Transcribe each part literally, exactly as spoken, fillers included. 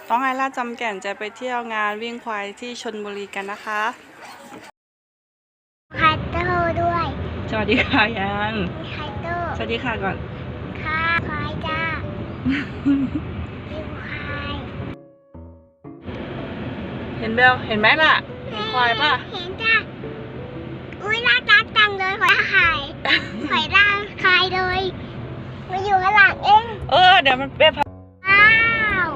น้องไอร่าจำแก่นจะไปเที่ยวงานวิ่งควายที่ชลบุรีกันนะคะไคโต้ด้วยสวัสดีค่ะยังไคโต้สวัสดีค่ะก่อนค่ะควายจ้าวิ่งควายเห็นเบลเห็นไหมล่ะเห็นควายป่ะเห็นจ้าอุ้ยน่ารักจังเลยควายไข่ควายร่างคายเลยมาอยู่ข้างหลังเองเออเดี๋ยวมันเป็นว้าว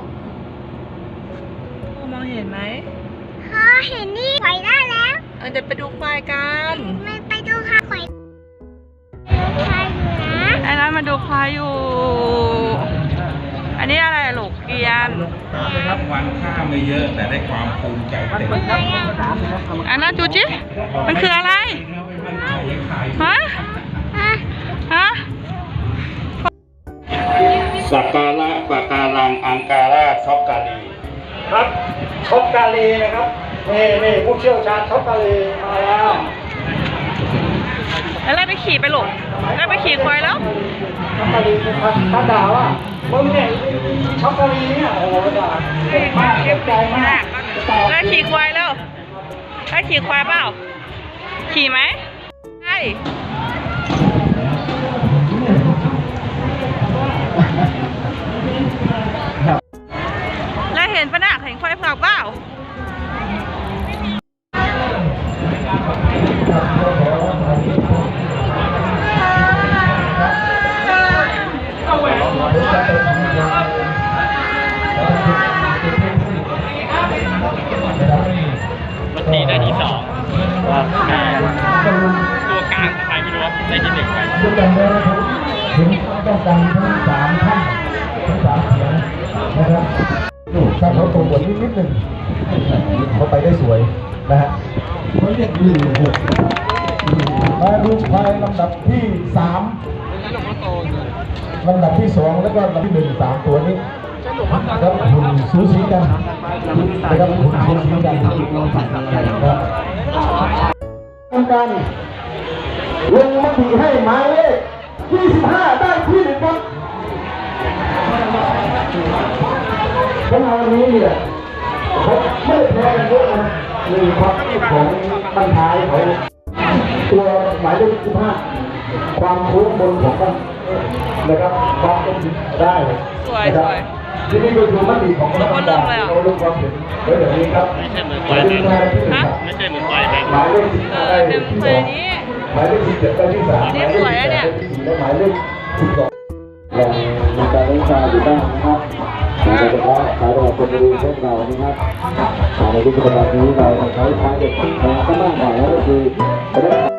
มองเห็นไหมพ่อเห็นนี่ควายได้แล้วเออเดี๋ยวไปดูควายกันไม่ไปดูค่ะควายควายอยู่นะไอ้นั้นมาดูควายอยู่อันนี้อะไรลูกเกียนรับวันค่าไม่เยอะแต่ได้ความภูมิใจเต็มอันนั้นจูจิมันคืออะไรฮะฮะสักการะปะการังอังการาช็อกกาลีครับช็อกกาลีนะครับนี่นี่ผู้เชี่ยวชาญช็อกกาลีมาแล้วแล้วไปขี่ไปลูกแล้วไปขี่ควายแล้วช็อกกาลีเป็นท่านด่าว่ามึงเนี่ยช็อกกาลีเนี่ยโอ้โหด่าเก็บมากเก็บใจมากแล้วขี่ควายแล้วแล้วขี่ควายเปล่าขี่ไหมใช่แล้วเห็นปะน่ะเห็นควายเผือกเปล่ามันตีได้ที่สองตัวกลางใครไม่รู้ได้ที่หนึ่งไปถึงต้องการทั้งสามท่านทั้งสามเสียงนะครับถ้าเขาตรงบทนิดนิดหนึ่งเขาไปได้สวยนะฮะเขาเรียกหนึ่งหกมาดูควายลำดับที่สามลำดับที่สองแล้วก็ลำดับที่หนึ่งสามตัวนี้นะครับหุ่นสูสีกันนะครับหุ่นสูสีกันนะครับทำการลงมติให้หมายเลขยี่สิบห้าได้ที่หนึ่งครับเพราะวันนี้เนี่ยผมไม่แพ้กันเยอะนะมีความคิดของบรรทายของตัวหมายเลขยี่สิบห้าความโค้งบนของมันนะครับความเป็นได้นะครับที่นี่ก็คือมติของคณะกรรมการเราลงความเห็นไว้แบบนี้ครับไม่ใช่เหมือนควายเลยไม่ใช่เหมือนควายเลยหมายเลขสิบห้าได้ที่สองหมายเลขสิบเจ็ดได้ที่สามหมายเลขสิบแปดได้ที่สี่และหมายเลขสิบสองลองมีการเล่นชาอยู่บ้างนะครับโดยเฉพาะสายรอคนดูพวกเรานะครับในยุคปัจจุบันนี้เราใช้ท้ายเด็กแรงก็มากหน่อยแล้วก็คือ